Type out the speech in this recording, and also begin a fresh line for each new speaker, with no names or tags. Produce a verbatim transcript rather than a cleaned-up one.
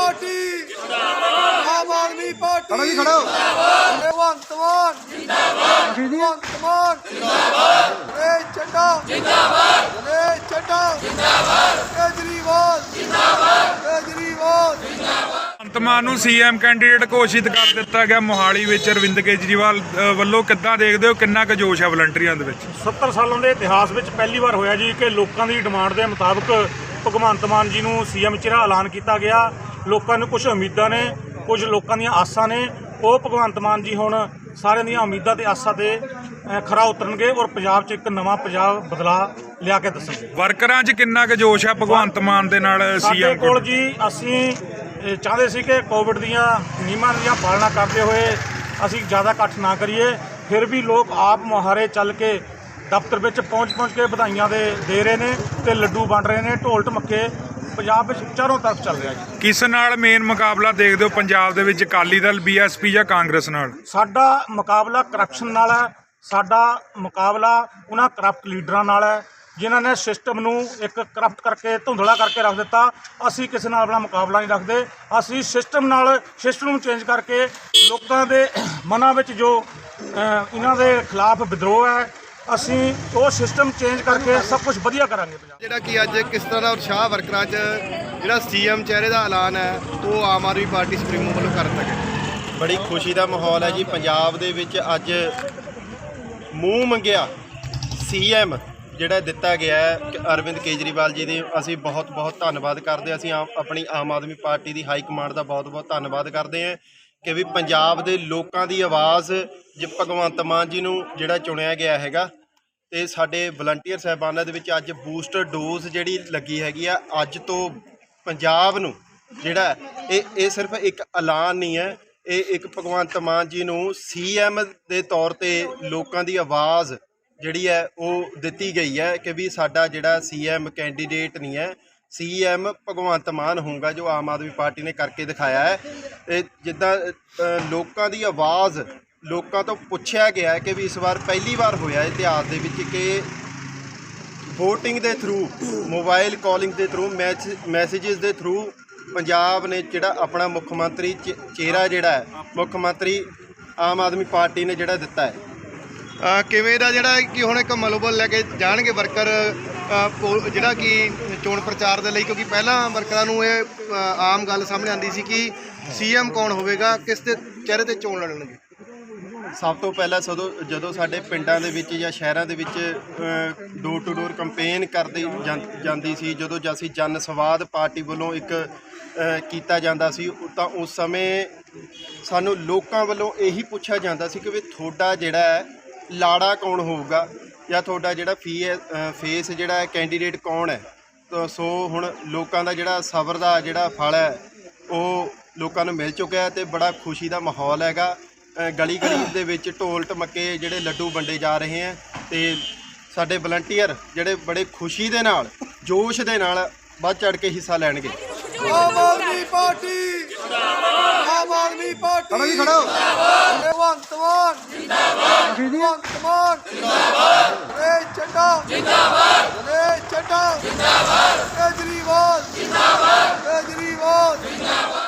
Party आम आदमी party भगवंत मान भगवंत मान नरेश चड्डा नरेश चड्डा केजरीवाल केजरीवाल
ਭਗਵੰਤ ਮਾਨ ਨੂੰ ਸੀਐਮ ਕੈਂਡੀਡੇਟ ਘੋਸ਼ਿਤ ਕਰ ਦਿੱਤਾ ਗਿਆ। ਮੋਹਾਲੀ ਵਿੱਚ ਅਰਵਿੰਦ ਕੇਜਰੀਵਾਲ ਅ, ਵੱਲੋਂ ਕਿੱਦਾਂ ਦੇਖਦੇ ਹੋ, ਕਿੰਨਾ ਕੁ ਜੋਸ਼ ਹੈ ਵਲੰਟੀਅਰਾਂ ਦੇ ਵਿੱਚ?
ਸੱਤਰ ਸਾਲਾਂ ਦੇ ਇਤਿਹਾਸ ਵਿੱਚ ਪਹਿਲੀ ਵਾਰ ਹੋਇਆ ਜੀ ਕਿ ਲੋਕਾਂ ਦੀ ਡਿਮਾਂਡ ਦੇ ਮੁਤਾਬਕ ਭਗਵੰਤ ਮਾਨ ਜੀ ਨੂੰ ਸੀਐਮ ਚਿਹਰਾ ਐਲਾਨ ਕੀਤਾ ਗਿਆ। ਲੋਕਾਂ ਨੂੰ ਕੁਝ ਉਮੀਦਾਂ ਨੇ, ਕੁਝ ਲੋਕਾਂ ਦੀਆਂ ਆਸਾਂ ਨੇ। ਉਹ ਭਗਵੰਤ ਮਾਨ ਜੀ ਹੁਣ ਸਾਰਿਆਂ ਦੀਆਂ ਉਮੀਦਾਂ ਤੇ ਆਸਾਂ ਤੇ ਖਰਾ ਉਤਰਨਗੇ ਔਰ ਪੰਜਾਬ 'ਚ ਇੱਕ ਨਵਾਂ ਪੰਜਾਬ ਬਦਲਾ ਲਿਆ ਕੇ ਦੱਸਣਗੇ।
ਵਰਕਰਾਂ 'ਚ ਕਿੰਨਾ ਕੁ ਜੋਸ਼ ਹੈ ਭਗਵੰਤ ਮਾਨ ਦੇ ਨਾਲ
ਸਾਡੇ
ਸੀਐਮ
ਕੋਲ ਜੀ ਅਸੀਂ ਇਹ ਚਾਹੁੰਦੇ ਸੀ ਕਿ ਕੋਵਿਡ ਦੀਆਂ ਨਿਯਮਾਂ ਦੀਆਂ ਪਾਲਣਾ ਕਰਦੇ ਹੋਏ ਅਸੀਂ ਜ਼ਿਆਦਾ ਇਕੱਠ ਨਾ ਕਰੀਏ, ਫਿਰ ਵੀ ਲੋਕ ਆਪ ਮੁਹਾਰੇ ਚੱਲ ਕੇ ਦਫ਼ਤਰ ਵਿੱਚ ਪਹੁੰਚ ਪਹੁੰਚ ਕੇ ਵਧਾਈਆਂ ਦੇ ਦੇ ਰਹੇ ਨੇ ਤੇ ਲੱਡੂ ਵੰਡ ਰਹੇ ਨੇ। ਢੋਲ ਢਮੱਕੇ ਪੰਜਾਬ ਵਿੱਚ ਚਾਰੋਂ ਤਰਫ ਚੱਲ ਰਿਹਾ ਜੀ।
ਕਿਸ ਨਾਲ ਮੇਨ ਮੁਕਾਬਲਾ ਦੇਖਦੇ ਹੋ ਪੰਜਾਬ ਦੇ ਵਿੱਚ, ਅਕਾਲੀ ਦਲ, ਬੀਐਸਪੀ ਜਾਂ ਕਾਂਗਰਸ ਨਾਲ?
ਸਾਡਾ ਮੁਕਾਬਲਾ ਕਰਪਸ਼ਨ ਨਾਲ ਹੈ। ਸਾਡਾ ਮੁਕਾਬਲਾ ਉਹਨਾਂ ਕਰਪਟ ਲੀਡਰਾਂ ਨਾਲ ਹੈ ਜਿਨ੍ਹਾਂ ਨੇ ਸਿਸਟਮ ਨੂੰ ਇੱਕ ਕਰਪਟ ਕਰਕੇ ਧੁੰਦਲਾ ਕਰਕੇ ਰੱਖ ਦਿੱਤਾ। ਅਸੀਂ ਕਿਸੇ ਨਾਲ ਆਪਣਾ ਮੁਕਾਬਲਾ ਨਹੀਂ ਰੱਖਦੇ। ਅਸੀਂ ਸਿਸਟਮ ਨਾਲ ਸਿਸਟਮ ਨੂੰ ਚੇਂਜ ਕਰਕੇ ਲੋਕਾਂ ਦੇ ਮਨਾਂ ਵਿੱਚ ਜੋ ਇਹਨਾਂ ਦੇ ਖਿਲਾਫ ਵਿਦਰੋਹ ਹੈ, ਅਸੀਂ ਉਹ ਸਿਸਟਮ ਚੇਂਜ ਕਰਕੇ ਸਭ ਕੁਝ ਵਧੀਆ ਕਰਾਂਗੇ।
ਜਿਹੜਾ ਕਿ ਅੱਜ ਕਿਸ ਤਰ੍ਹਾਂ ਦਾ ਉਤਸ਼ਾਹ ਵਰਕਰਾਂ 'ਚ ਜਿਹੜਾ ਸੀਐਮ ਚਿਹਰੇ ਦਾ ਐਲਾਨ ਹੈ ਉਹ ਆਮ ਆਦਮੀ ਪਾਰਟੀ ਸੁਪਰੀਮੋ ਵੱਲੋਂ ਕਰ ਦਿੱਤਾ ਗਿਆ।
ਬੜੀ ਖੁਸ਼ੀ ਦਾ ਮਾਹੌਲ ਹੈ ਜੀ ਪੰਜਾਬ ਦੇ ਵਿੱਚ। ਅੱਜ ਮੂੰਹ ਮੰਗਿਆ ਸੀਐਮ ਜਿਹੜਾ ਦਿੱਤਾ ਗਿਆ ਹੈ ਅਰਵਿੰਦ ਕੇਜਰੀਵਾਲ ਜੀ ਦੇ, ਅਸੀਂ ਬਹੁਤ ਬਹੁਤ ਧੰਨਵਾਦ ਕਰਦੇ। ਅਸੀਂ ਆਮ ਆਪਣੀ ਆਮ ਆਦਮੀ ਪਾਰਟੀ ਦੀ ਹਾਈ ਕਮਾਂਡ ਦਾ ਬਹੁਤ ਬਹੁਤ ਧੰਨਵਾਦ ਕਰਦੇ ਹਾਂ ਕਿ ਵੀ ਪੰਜਾਬ ਦੇ ਲੋਕਾਂ ਦੀ ਆਵਾਜ਼ ਜ ਭਗਵੰਤ ਮਾਨ ਜੀ ਨੂੰ ਜਿਹੜਾ ਚੁਣਿਆ ਗਿਆ ਹੈਗਾ। ਤੇ ਸਾਡੇ ਵਲੰਟੀਅਰ ਸਾਹਿਬਾਨਾਂ ਦੇ ਵਿੱਚ ਅੱਜ ਬੂਸਟਰ ਡੋਜ਼ ਜਿਹੜੀ ਲੱਗੀ ਹੈਗੀ ਆ। ਅੱਜ ਤੋਂ ਪੰਜਾਬ ਨੂੰ ਜਿਹੜਾ ਇਹ ਇਹ ਸਿਰਫ ਇੱਕ ਐਲਾਨ ਨਹੀਂ ਹੈ, ਇਹ ਇੱਕ ਭਗਵੰਤ ਮਾਨ ਜੀ ਨੂੰ ਸੀਐਮ ਦੇ ਤੌਰ ਤੇ ਲੋਕਾਂ ਦੀ ਆਵਾਜ਼ ਜਿਹੜੀ ਹੈ ਉਹ ਦਿੱਤੀ ਗਈ ਹੈ ਕਿ ਵੀ ਸਾਡਾ ਜਿਹੜਾ ਸੀਐਮ ਕੈਂਡੀਡੇਟ ਨਹੀਂ ਹੈ, ਸੀਐਮ ਭਗਵੰਤ ਮਾਨ ਹੋਊਗਾ, ਜੋ ਆਮ ਆਦਮੀ ਪਾਰਟੀ ਨੇ ਕਰਕੇ ਦਿਖਾਇਆ ਹੈ। ਇਹ ਜਿੱਦਾਂ ਲੋਕਾਂ ਦੀ ਆਵਾਜ਼ ਲੋਕਾਂ ਤੋਂ ਪੁੱਛਿਆ ਗਿਆ ਕਿ ਵੀ ਇਸ ਵਾਰ ਪਹਿਲੀ ਵਾਰ ਹੋਇਆ ਇਤਿਹਾਸ ਦੇ ਵਿੱਚ ਕਿ ਵੋਟਿੰਗ ਦੇ ਥਰੂ, ਮੋਬਾਈਲ ਕਾਲਿੰਗ ਦੇ ਥਰੂ, ਮੈਸੇजेस ਦੇ ਥਰੂ ਪੰਜਾਬ ਨੇ ਜਿਹੜਾ ਆਪਣਾ ਮੁੱਖ ਮੰਤਰੀ ਚਿਹਰਾ ਜਿਹੜਾ ਹੈ ਮੁੱਖ ਮੰਤਰੀ ਆਮ ਆਦਮੀ ਪਾਰਟੀ ਨੇ ਜਿਹੜਾ ਦਿੱਤਾ ਹੈ।
ਕਿਵੇਂ ਦਾ ਜਿਹੜਾ ਕਿ ਹੁਣ ਇੱਕ ਮਨੋਬਲ ਲੈ ਕੇ ਜਾਣਗੇ ਵਰਕਰ ਜਿਹੜਾ ਕਿ ਚੋਣ ਪ੍ਰਚਾਰ ਦੇ ਲਈ, ਕਿਉਂਕਿ ਪਹਿਲਾਂ ਵਰਕਰਾਂ ਨੂੰ ਇਹ ਆਮ ਗੱਲ ਸਾਹਮਣੇ ਆਉਂਦੀ ਸੀ ਕਿ ਸੀਐਮ ਕੌਣ ਹੋਵੇਗਾ, ਕਿਸ ਦੇ ਚਿਹਰੇ ਤੇ ਚੋਣ ਲੜਨਗੇ?
ਸਭ ਤੋਂ ਪਹਿਲਾਂ ਸਦੋਂ ਜਦੋਂ ਸਾਡੇ ਪਿੰਡਾਂ ਦੇ ਵਿੱਚ ਜਾਂ ਸ਼ਹਿਰਾਂ ਦੇ ਵਿੱਚ ਡੋਰ ਟੂ ਡੋਰ ਕੰਪੇਨ ਕਰਦੀ ਜਾਂਦੀ ਸੀ, ਜਦੋਂ ਅਸੀਂ ਜਨ ਸੰਵਾਦ ਪਾਰਟੀ ਵੱਲੋਂ ਇੱਕ ਕੀਤਾ ਜਾਂਦਾ ਸੀ, ਤਾਂ ਉਸ ਸਮੇਂ ਸਾਨੂੰ ਲੋਕਾਂ ਵੱਲੋਂ ਇਹੀ ਪੁੱਛਿਆ ਜਾਂਦਾ ਸੀ ਕਿ ਵੀ ਤੁਹਾਡਾ ਜਿਹੜਾ ਹੈ ਲਾੜਾ ਕੌਣ ਹੋਊਗਾ ਜਾਂ ਤੁਹਾਡਾ ਜਿਹੜਾ ਫੀ ਫੇਸ ਜਿਹੜਾ ਕੈਂਡੀਡੇਟ ਕੌਣ ਹੈ। ਤਾਂ ਸੋ ਹੁਣ ਲੋਕਾਂ ਦਾ ਜਿਹੜਾ ਸਬਰ ਦਾ ਜਿਹੜਾ ਫਲ ਹੈ ਉਹ ਲੋਕਾਂ ਨੂੰ ਮਿਲ ਚੁੱਕਿਆ ਤੇ ਬੜਾ ਖੁਸ਼ੀ ਦਾ ਮਾਹੌਲ ਹੈਗਾ। ਗਲੀ ਗਲੀ ਦੇ ਵਿੱਚ ਢੋਲ ਢਮੱਕੇ ਜਿਹੜੇ ਲੱਡੂ ਵੰਡੇ ਜਾ ਰਹੇ ਹੈ ਤੇ ਸਾਡੇ ਵਲੰਟੀਅਰ ਜਿਹੜੇ ਬੜੇ ਖੁਸ਼ੀ ਦੇ ਨਾਲ ਜੋਸ਼ ਦੇ ਨਾਲ ਵੱਧ ਚੜ ਕੇ ਹਿੱਸਾ ਲੈਣਗੇ।
Aam Aadmi Party Aam Aadmi Party Bhagwant Mann Bhagwant Mann Naresh Chadda Naresh Chadda Kejriwal Kejriwal